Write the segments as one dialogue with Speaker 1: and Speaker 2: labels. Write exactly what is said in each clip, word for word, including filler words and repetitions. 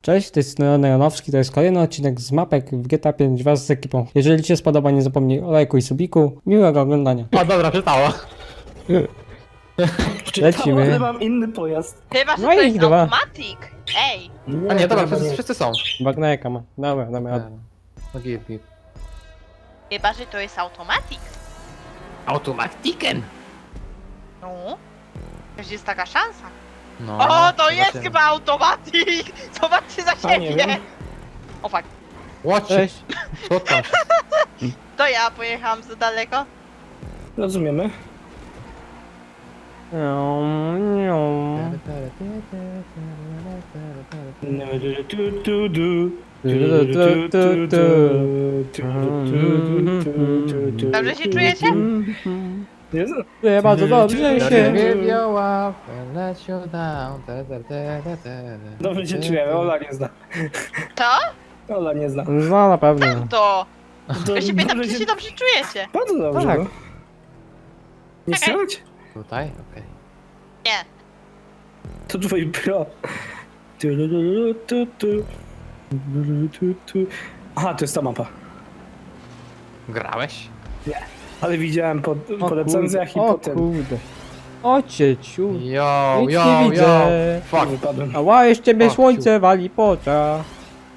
Speaker 1: Cześć, to jest Neon Janowski, to jest kolejny odcinek z mapek w G T A pięć wraz z ekipą. Jeżeli Ci się spodoba, nie zapomnij o lajku i subiku. Miłego oglądania.
Speaker 2: O, dobra, czytała.
Speaker 1: Lecimy.
Speaker 3: Ale mam inny pojazd.
Speaker 4: Chyba, że
Speaker 1: No
Speaker 4: to
Speaker 1: i
Speaker 4: jest
Speaker 1: chyba.
Speaker 4: automatic. Ej,
Speaker 2: A nie, dobra,
Speaker 3: chyba
Speaker 2: wszyscy, wszyscy są.
Speaker 1: Bagneka ma. Dobra, damy radę.
Speaker 2: No git, git.
Speaker 4: chyba, że to jest automatic.
Speaker 2: Automatiken.
Speaker 4: No. Przecież jest taka szansa.
Speaker 2: No,
Speaker 4: O, to jest
Speaker 2: zobaczymy.
Speaker 4: chyba automatic. Zobaczcie za
Speaker 1: A, nie
Speaker 4: siebie.
Speaker 1: wiem.
Speaker 4: O fuck.
Speaker 2: Watch
Speaker 1: Cześć.
Speaker 2: Co tam się...
Speaker 4: To ja pojechałam za daleko.
Speaker 3: Rozumiemy.
Speaker 1: Nią, nią.
Speaker 4: Dobrze się czujecie?
Speaker 3: Jezu.
Speaker 1: Czuję bardzo dobrze się.
Speaker 2: Wywioła, let you down. te, te, te, te, te.
Speaker 3: Dobrze się czujemy, Ola nie zna.
Speaker 4: Co?
Speaker 3: Ola nie zna.
Speaker 1: No na pewno.
Speaker 4: To.
Speaker 3: To
Speaker 4: Ja się pytam,
Speaker 3: dobrze
Speaker 4: czy się dobrze czujecie.
Speaker 3: Bardzo dobrze.
Speaker 1: Tak.
Speaker 3: No. Nie
Speaker 4: Czekaj.
Speaker 3: słychać?
Speaker 2: Tutaj? Okej.
Speaker 4: Nie.
Speaker 3: To twój pro. Tu, tu, tu, tu, tu, tu, tu. Aha, to jest ta mapa.
Speaker 2: Grałeś?
Speaker 3: Ale widziałem po,
Speaker 1: O
Speaker 3: po recenzjach i
Speaker 1: kurde,
Speaker 3: po
Speaker 1: o
Speaker 3: tym.
Speaker 1: kurde. O cieciu.
Speaker 2: Yo,
Speaker 1: Nic
Speaker 2: yo,
Speaker 1: nie
Speaker 2: yo.
Speaker 1: widzę.
Speaker 2: Fuck.
Speaker 3: Wypadłem.
Speaker 1: Ała, jeszcze mnie
Speaker 2: O,
Speaker 1: słońce wali po oczach.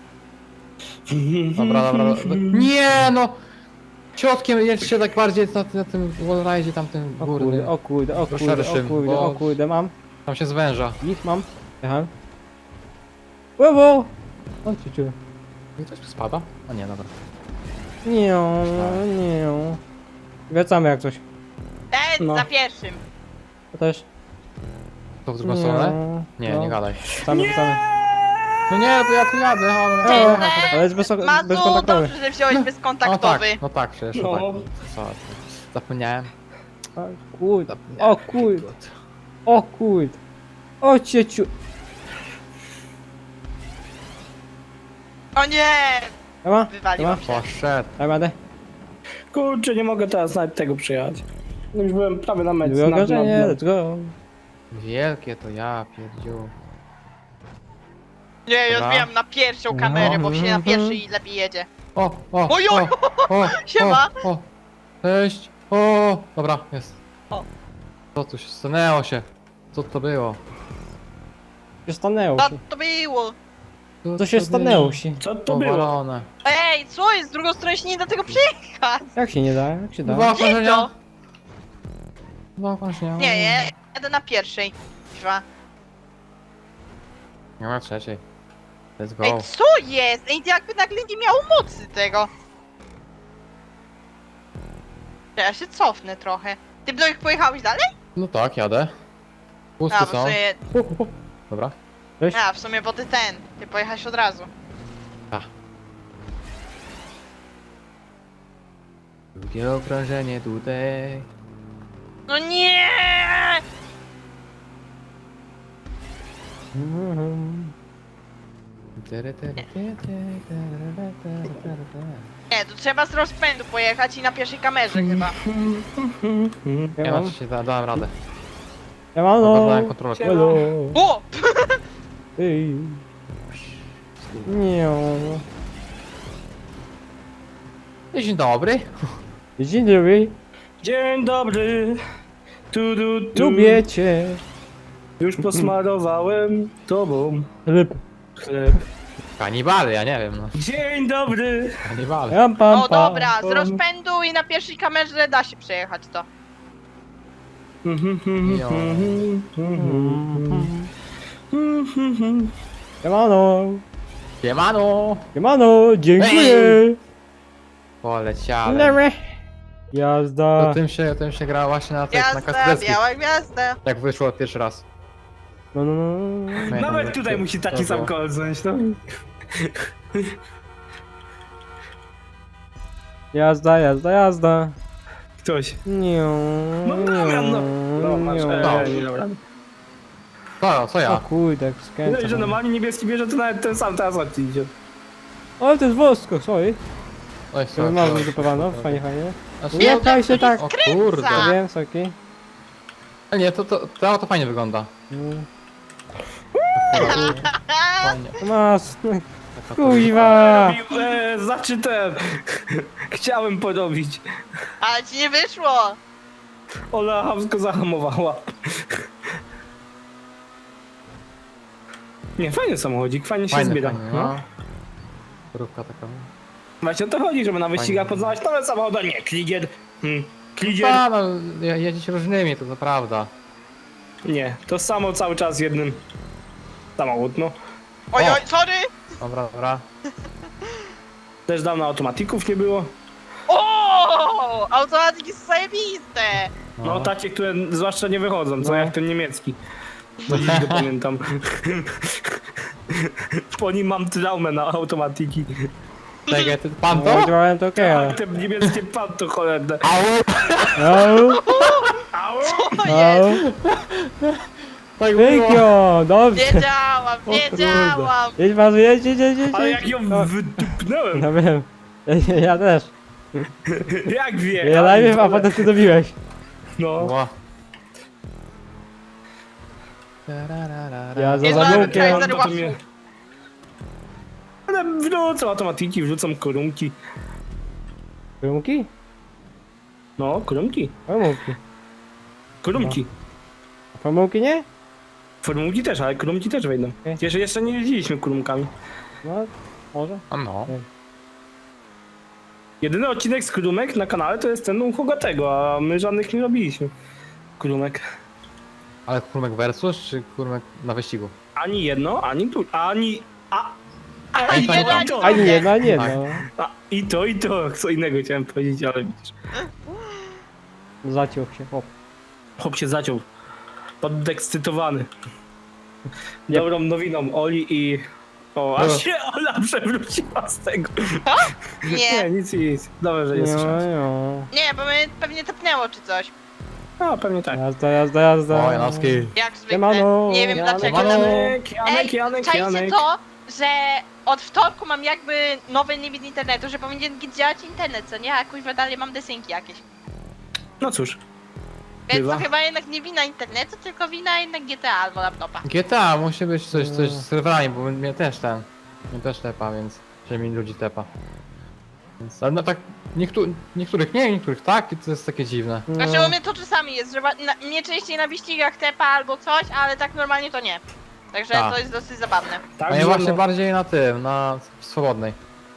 Speaker 2: Dobra, dobra, dobra. Nie no! Ciotkiem jedźcie tak bardziej na, na tym wallride'zie tamtym
Speaker 1: O
Speaker 2: górnym.
Speaker 1: kurde, o kurde, o
Speaker 2: To
Speaker 1: kurde, o
Speaker 2: szerszym,
Speaker 1: kurde,
Speaker 2: bo-
Speaker 1: o kurde, mam.
Speaker 2: Tam się zwęża.
Speaker 1: Nic mam. Jechałem. Wow, o cieciu.
Speaker 2: I ktoś tu spada? A nie, dobra.
Speaker 1: Nie, nie. Wracamy jak coś.
Speaker 4: Ten
Speaker 3: No.
Speaker 4: za pierwszym.
Speaker 1: To też.
Speaker 2: To w drugą stronę? Nie,
Speaker 1: no.
Speaker 2: nie gadaj.
Speaker 1: Wracamy, wracamy.
Speaker 2: No nie, to ja tu jadę, ale...
Speaker 4: Cześć,
Speaker 1: O,
Speaker 4: Nek.
Speaker 1: ale jest bez,
Speaker 4: Mazu,
Speaker 1: bezkontaktowy.
Speaker 4: dobrze, że wziąłeś
Speaker 2: No
Speaker 4: bezkontaktowy.
Speaker 2: tak, no tak, przecież
Speaker 3: No.
Speaker 2: no. tak. Co? Zapomniałem.
Speaker 1: O kurde,
Speaker 2: Zapomniałem.
Speaker 1: o kurde, o kurde. O cieciu.
Speaker 4: O nie!
Speaker 1: Ema?
Speaker 4: Wywaliłam
Speaker 1: Ema?
Speaker 4: się.
Speaker 2: Poszedł.
Speaker 1: Daj radę.
Speaker 3: Kurczę, nie mogę teraz nawet tego przyjechać. Już byłem prawie na mecie.
Speaker 1: Drugie
Speaker 3: na- na-
Speaker 1: ogrodzenie,
Speaker 3: na-
Speaker 1: let's go.
Speaker 2: Wielkie to ja, pierdziu.
Speaker 4: Nie, ja
Speaker 2: Dobra.
Speaker 4: zbijam na pierwszą kamerę, bo się na pierwszej lepiej jedzie.
Speaker 2: O, o,
Speaker 4: Oj, oj,
Speaker 2: o, o,
Speaker 4: siema.
Speaker 2: o, o. Cześć. O, dobra, jest.
Speaker 4: O.
Speaker 2: Co tu się stanęło się? Co to było?
Speaker 1: Co się stanęło
Speaker 4: Co
Speaker 1: się?
Speaker 4: to było?
Speaker 1: Co się stanęło się?
Speaker 3: Co to było?
Speaker 2: Powalone.
Speaker 4: Ej, co jest? Z drugą stronę się nie da tego przejechać.
Speaker 1: Jak się nie da? Jak się da?
Speaker 2: Dwa
Speaker 4: Gdzie to?
Speaker 2: okrążenia. Dwa okrążenia.
Speaker 4: Nie, nie, jadę na pierwszej. Dwa.
Speaker 2: Nie ma trzeciej. Let's go.
Speaker 4: Ej, co jest? Ej, jakby nagle nie miało mocy tego. Ja się cofnę trochę. Ty Blojek pojechałeś dalej?
Speaker 2: No tak, jadę. Pusty
Speaker 4: A, w
Speaker 2: są.
Speaker 4: sumie,
Speaker 2: Dobra.
Speaker 1: Cześć.
Speaker 4: a, w sumie bo ty ten, ty pojechałeś od razu.
Speaker 2: Drugie okrążenie tutaj.
Speaker 4: No nie!
Speaker 1: Mhm.
Speaker 4: Nie, to trzeba z rozpędu pojechać i na pierwszej kamerze chyba.
Speaker 2: Ja
Speaker 1: Ja mam.
Speaker 2: na się da, dałem radę.
Speaker 1: Ja mam
Speaker 2: Dałem
Speaker 1: no.
Speaker 2: kontrolę.
Speaker 1: Hello.
Speaker 4: O!
Speaker 1: Ej. Nie.
Speaker 2: Dzień dobry.
Speaker 1: Dzień dobry.
Speaker 3: Dzień dobry. Tu, tu, tu.
Speaker 1: Lubię cię.
Speaker 3: Już posmarowałem tobą
Speaker 1: Chleb.
Speaker 3: chleb.
Speaker 2: Kanibale, ja nie wiem no.
Speaker 3: Dzień dobry.
Speaker 2: Kanibale.
Speaker 1: Ram, pam,
Speaker 4: O
Speaker 1: pam.
Speaker 4: dobra, z rozpędu i na pierwszej kamerze da się przejechać to.
Speaker 2: Jo.
Speaker 1: Siemano.
Speaker 2: Siemano.
Speaker 1: Siemano. Dziękuję.
Speaker 2: Poleciałem.
Speaker 1: Dobra.
Speaker 2: To
Speaker 1: Jazda.
Speaker 2: tym się, tym się gra właśnie na tych, na
Speaker 4: Gwiazda,
Speaker 2: kaskadeskich.
Speaker 4: biała gwiazda.
Speaker 2: Jak wyszło pierwszy raz.
Speaker 1: No, no, no.
Speaker 2: Pamiętam,
Speaker 3: Nawet
Speaker 2: że-
Speaker 3: tutaj musi taki
Speaker 2: to
Speaker 3: sam
Speaker 2: było.
Speaker 3: kol znaleźć, no.
Speaker 1: Jazda, jazda, jazda.
Speaker 3: Ktoś.
Speaker 1: Nie.
Speaker 3: No dobra, no. No, masz,
Speaker 2: No.
Speaker 3: ej, dobra.
Speaker 2: Co, co
Speaker 1: O
Speaker 2: ja?
Speaker 1: kurde, jak
Speaker 3: No
Speaker 1: skręcam.
Speaker 3: i że normalnie niebieski bierze, to nawet ten sam teraz odcień idzie.
Speaker 1: O, to jest wosko, sorry.
Speaker 2: Oj,
Speaker 1: To
Speaker 2: sorry,
Speaker 1: mam
Speaker 2: sorry.
Speaker 1: zupowano, fajnie, fajnie.
Speaker 2: Znaczy,
Speaker 1: Nie,
Speaker 2: no-
Speaker 1: kaj się tak.
Speaker 2: O kurde.
Speaker 4: Skręca.
Speaker 1: Ja wiem, sorki.
Speaker 2: A nie, to, to, to auto fajnie wygląda.
Speaker 1: Mm.
Speaker 5: Fajnie.
Speaker 1: Masz,
Speaker 5: Taka
Speaker 1: kuźwa.
Speaker 3: E, znaczy ten. Chciałem porobić.
Speaker 4: Ale ci nie wyszło!
Speaker 3: Ola chamsko zahamowała. Nie, fajny samochodzik, fajnie się
Speaker 5: Fajne,
Speaker 3: zbiera.
Speaker 5: fajne,
Speaker 3: No.
Speaker 5: no. Rówka taka.
Speaker 3: Właśnie o to chodzi, żeby na wyścigach
Speaker 5: Fajnie.
Speaker 3: poznawać nowe samochody, a nie kligier. Hmm. Kligier.
Speaker 5: A, no, je- jeździć różnymi, to, to prawda.
Speaker 3: Nie, to samo cały czas jednym. Samochód, no.
Speaker 4: Oj,
Speaker 5: O.
Speaker 4: oj, sorry!
Speaker 5: Dobra, dobra.
Speaker 3: Też dawno automatików nie było.
Speaker 4: O, automatyki są zajebiste!
Speaker 3: No takie, które zwłaszcza nie wychodzą, co
Speaker 1: No.
Speaker 3: jak ten niemiecki. Do dziś go pamiętam. Po nim mam traumę na automatiki.
Speaker 5: Czekaj, ty, pan
Speaker 1: No,
Speaker 5: to?
Speaker 1: działałem to okej, ale...
Speaker 3: Te niemieckie pan to cholerne.
Speaker 1: Au,
Speaker 3: Au!
Speaker 4: O jest!
Speaker 1: au.
Speaker 5: Tak było.
Speaker 1: Wykio, dobrze.
Speaker 4: Wiedziałam,
Speaker 1: O kurde.
Speaker 4: wiedziałam!
Speaker 1: Jedź Mazu, jedź, jedź, jedź, jedź.
Speaker 3: Ale
Speaker 1: jedź.
Speaker 3: jak ją
Speaker 1: No,
Speaker 3: wydupnąłem.
Speaker 1: no wiem. Ja, ja też.
Speaker 3: Jak wie?
Speaker 1: Ja najpierw, a potem ty dobiłeś.
Speaker 3: No.
Speaker 5: Ła.
Speaker 1: Ja za
Speaker 4: Jest
Speaker 1: zamówieniem.
Speaker 4: Kaiser
Speaker 3: To
Speaker 4: łapsu.
Speaker 3: mnie- Ale wrzucam automatiki, wrzucam korumki.
Speaker 1: Wymówki?
Speaker 3: No, korumki.
Speaker 1: Wymówki.
Speaker 3: Korumki.
Speaker 1: A pomyłki nie?
Speaker 3: Formułki też, ale korumki też wejdą.
Speaker 1: Okej.
Speaker 3: Jeszcze, jeszcze nie jeździliśmy korumkami.
Speaker 1: No, może.
Speaker 5: A no.
Speaker 3: Jedyny odcinek z Krumek na kanale to jest ten u Hogatego, a my żadnych nie robiliśmy. Krumek.
Speaker 5: Ale kurmek versus, czy kurmek na wyścigu?
Speaker 3: Ani jedno, ani tu, ani... A, a,
Speaker 4: Ani
Speaker 3: i,
Speaker 4: jedno,
Speaker 3: to,
Speaker 4: ani
Speaker 3: i to,
Speaker 1: Ani jedno, ani jedno.
Speaker 5: Tak.
Speaker 3: a, i to, i to, co innego chciałem powiedzieć, ale widzisz.
Speaker 1: Zaciął się, hop.
Speaker 3: Chłop się zaciął. Podekscytowany.
Speaker 1: Nie.
Speaker 3: Dobrą nowiną Oli i... O,
Speaker 5: No.
Speaker 3: aż się Ola przewróciła z tego. Nie,
Speaker 4: Nie,
Speaker 3: nic, nic. Dobrze, że nie
Speaker 1: No,
Speaker 3: słyszałem.
Speaker 1: no.
Speaker 4: nie, bo mnie pewnie tepnęło czy coś.
Speaker 3: A, pewnie tak.
Speaker 1: Jazda, jazda, jazda.
Speaker 5: O, Janowski.
Speaker 4: Jak zwykle.
Speaker 1: Siemano.
Speaker 4: Nie wiem
Speaker 1: Siemano.
Speaker 4: dlaczego.
Speaker 5: Siemano.
Speaker 4: tam-
Speaker 3: Janek, Janek,
Speaker 4: Ej,
Speaker 3: Janek,
Speaker 4: czajcie
Speaker 3: Janek.
Speaker 4: to, że od wtorku mam jakby nowy limit internetu, że powinien działać internet, co nie? A kuźwa dalej mam desynki jakieś.
Speaker 3: No cóż,
Speaker 4: Więc
Speaker 3: Bywa.
Speaker 4: to chyba jednak nie wina internetu, tylko wina jednak G T A albo laptopa.
Speaker 5: G T A musi być coś, coś z serwerami, bo mnie też ten. Mnie też tepa, więc. Że mi ludzi tepa. Więc, ale no tak. Niektó niektórych nie, niektórych tak, i to jest takie dziwne.
Speaker 1: No.
Speaker 4: Znaczy u mnie to czasami jest, że na, mnie częściej na wyścigach tepa albo coś, ale tak normalnie to nie. Także
Speaker 5: Tak.
Speaker 4: to jest dosyć zabawne.
Speaker 3: tak,
Speaker 5: A ja
Speaker 3: że
Speaker 5: właśnie
Speaker 3: no,
Speaker 5: bardziej na tym, na swobodnej.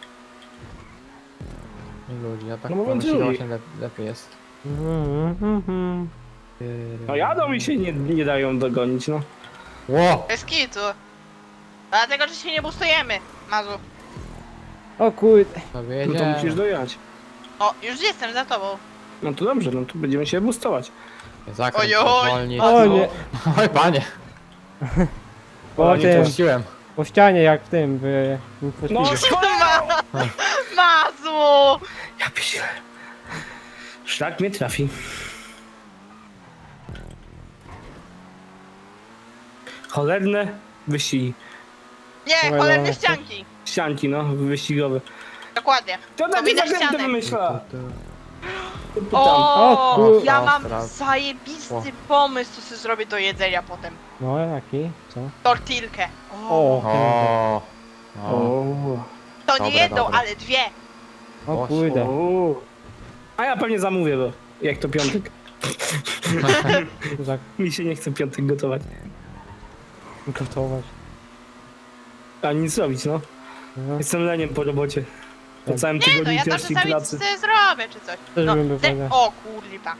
Speaker 5: I ludzi, a tak
Speaker 3: No
Speaker 5: no,
Speaker 3: mówiąc
Speaker 5: wyścigu
Speaker 3: ludzi.
Speaker 5: właśnie lep lepiej jest.
Speaker 1: Mhm, mhm.
Speaker 3: no jadą i się nie, nie dają dogonić, no.
Speaker 5: Ło!
Speaker 4: Bez kitu. Dlatego, że się nie boostujemy, Mazu.
Speaker 1: O kurde.
Speaker 5: Sobie
Speaker 3: No to musisz
Speaker 5: jedzie.
Speaker 3: dojechać.
Speaker 4: O, już jestem za tobą.
Speaker 3: No to dobrze, no to będziemy się boostować.
Speaker 5: Zakręt,
Speaker 4: Ojoj.
Speaker 5: zwolnić.
Speaker 1: O nie.
Speaker 5: Oj panie,
Speaker 1: Po
Speaker 3: nie
Speaker 1: tym,
Speaker 5: puściłem.
Speaker 1: po ścianie jak w tym, w... w
Speaker 3: No,
Speaker 1: Speedzie.
Speaker 4: Ma Mazu!
Speaker 3: ja piszę. Szlak mnie trafi. Cholerne wyścigi.
Speaker 4: Nie,
Speaker 1: Dobra,
Speaker 4: cholerne
Speaker 1: dobra.
Speaker 4: ścianki.
Speaker 3: Ścianki, no, wyścigowe.
Speaker 4: Dokładnie.
Speaker 3: To na
Speaker 4: widać
Speaker 3: zakręty
Speaker 4: ścianek.
Speaker 3: wymyśla. Pytam.
Speaker 4: O,
Speaker 1: O kur-
Speaker 4: ja
Speaker 5: O,
Speaker 4: mam
Speaker 5: teraz.
Speaker 4: zajebisty
Speaker 5: O.
Speaker 4: pomysł, co sobie zrobię do jedzenia potem.
Speaker 1: No jaki? Co?
Speaker 4: Tortilkę. O,
Speaker 1: O,
Speaker 5: O.
Speaker 3: O.
Speaker 5: O.
Speaker 4: to nie
Speaker 5: Dobre,
Speaker 4: jedną,
Speaker 5: dobre.
Speaker 4: ale dwie.
Speaker 1: o kurde.
Speaker 3: O. A ja pewnie zamówię, bo jak to piątek.
Speaker 1: Za
Speaker 3: Mi się nie chce piątek gotować.
Speaker 1: gotować.
Speaker 3: A nic robić, no.
Speaker 1: No.
Speaker 3: Jestem leniem po robocie. Po
Speaker 1: Tak.
Speaker 3: całym
Speaker 4: Nie,
Speaker 3: tygodniu
Speaker 4: no ja to
Speaker 3: ciężkiej
Speaker 4: czasami
Speaker 3: pracy.
Speaker 4: sobie zrobię, czy coś.
Speaker 1: Też
Speaker 4: No,
Speaker 1: bym był
Speaker 4: te...
Speaker 1: fajny.
Speaker 4: O kurwa.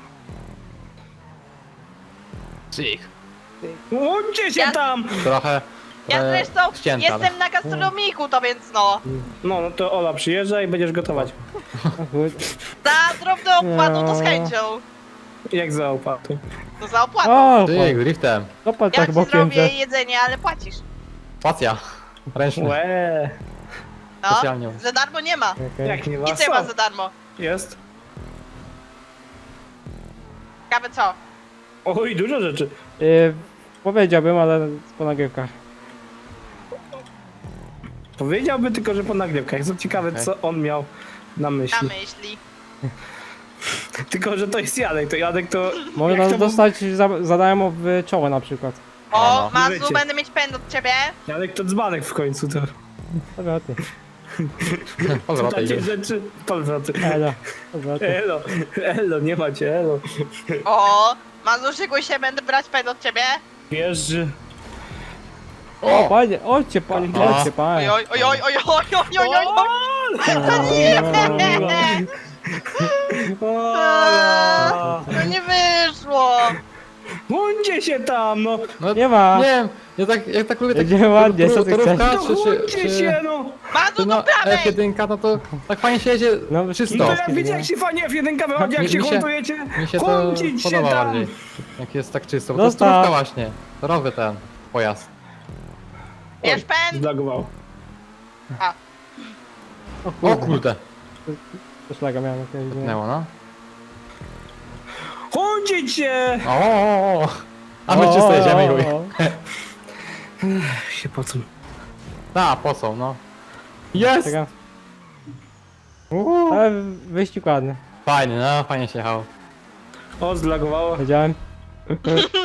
Speaker 5: Cyk.
Speaker 3: O, gdzie się
Speaker 4: Ja-
Speaker 3: tam?
Speaker 5: Trochę.
Speaker 4: Ja
Speaker 5: trochę
Speaker 4: zresztą
Speaker 5: ścięte, ale-
Speaker 4: jestem na gastronomiku, to więc no.
Speaker 3: No, no to Ola przyjeżdża i będziesz gotować.
Speaker 1: O kurde.
Speaker 4: Za drobną opłatą to z
Speaker 1: No.
Speaker 4: chęcią.
Speaker 3: Jak za opłatą.
Speaker 4: No za opłatą.
Speaker 1: O,
Speaker 5: Cyk, driftem.
Speaker 1: popatrz
Speaker 4: Ja
Speaker 1: tak
Speaker 4: ci
Speaker 1: bokiem,
Speaker 4: zrobię
Speaker 1: że...
Speaker 4: jedzenie, ale płacisz.
Speaker 5: Spacja. Ręczny.
Speaker 3: Łe,
Speaker 4: No,
Speaker 5: Specjalnie.
Speaker 4: za darmo nie ma.
Speaker 1: Okej.
Speaker 3: jak nie ma
Speaker 4: Nic nie ma
Speaker 3: co?
Speaker 4: za darmo.
Speaker 3: Jest.
Speaker 4: Ciekawe co?
Speaker 3: Oj, dużo rzeczy.
Speaker 1: Y, powiedziałbym, ale po nagrywkach.
Speaker 3: Powiedziałby tylko, że po nagrywkach. Jestem ciekawy,
Speaker 5: Okej.
Speaker 3: co on miał na
Speaker 4: Na
Speaker 3: myśli.
Speaker 4: myśli.
Speaker 3: Tylko, że to jest Jadek. To Jadek to...
Speaker 1: Można
Speaker 3: jak to
Speaker 1: dostać za, za darmo w czoło na przykład.
Speaker 4: O,
Speaker 5: no.
Speaker 4: Mazu,
Speaker 3: Wiecie.
Speaker 4: będę mieć pęd od ciebie.
Speaker 3: Ale kto dzbanek w końcu, to...
Speaker 1: Powroty.
Speaker 5: Powrotek
Speaker 3: Takie
Speaker 5: już.
Speaker 3: rzeczy... Powroty.
Speaker 1: Elo. Powroty.
Speaker 3: Elo, elo, nie macie, elo.
Speaker 4: O, Mazu, szykuj się, będę brać pęd od ciebie.
Speaker 3: Wiesz, że...
Speaker 1: O, panie, ojcie, panie,
Speaker 5: A.
Speaker 1: ojcie, panie.
Speaker 4: Oj, oj, oj, oj, oj, oj, oj, oj, oj.
Speaker 3: Ola!
Speaker 4: No nie wyszło.
Speaker 3: Bądźcie się tam, no!
Speaker 5: No,
Speaker 1: Nie ma.
Speaker 5: Nie wiem, ja tak, ja tak lubię tak...
Speaker 1: Będzie ładnie, co ty
Speaker 5: torówka,
Speaker 1: chcesz?
Speaker 3: No
Speaker 5: czy, czy,
Speaker 3: bądźcie
Speaker 5: czy,
Speaker 3: się, no!
Speaker 4: Mazu,
Speaker 5: czy
Speaker 4: do
Speaker 5: no
Speaker 4: prawej.
Speaker 5: F jeden, no to tak fajnie się jedzie,
Speaker 1: No,
Speaker 3: No
Speaker 5: czysto.
Speaker 3: to jak wiecie, jak się fajnie F jeden wychodzi, jak
Speaker 5: Mi-
Speaker 3: się
Speaker 5: mi się-
Speaker 3: kontujecie,
Speaker 5: Mi się to
Speaker 3: kłącić się
Speaker 5: podoba
Speaker 3: tam!
Speaker 5: bardziej, jak jest tak czysto, bo to jest
Speaker 1: Zostaw.
Speaker 5: torówka właśnie, torowy ten pojazd.
Speaker 4: Bierz pęd.
Speaker 3: Zlagował.
Speaker 1: O
Speaker 5: O
Speaker 1: kurde.
Speaker 5: kurde,
Speaker 1: To szlaga miałem jakiegoś. nie?
Speaker 5: pnęło no.
Speaker 3: Kłącić się!
Speaker 5: O, o, o. A my czysto jedziemy, Juj.
Speaker 1: o, o.
Speaker 3: Się pocą.
Speaker 5: Ta, posą, no. Jest!
Speaker 1: Czekam.
Speaker 5: Uuu.
Speaker 1: Ale wyścig ładny.
Speaker 5: Fajnie, no, fajnie się jechało.
Speaker 3: O, zlagowało.
Speaker 1: Wiedziałem.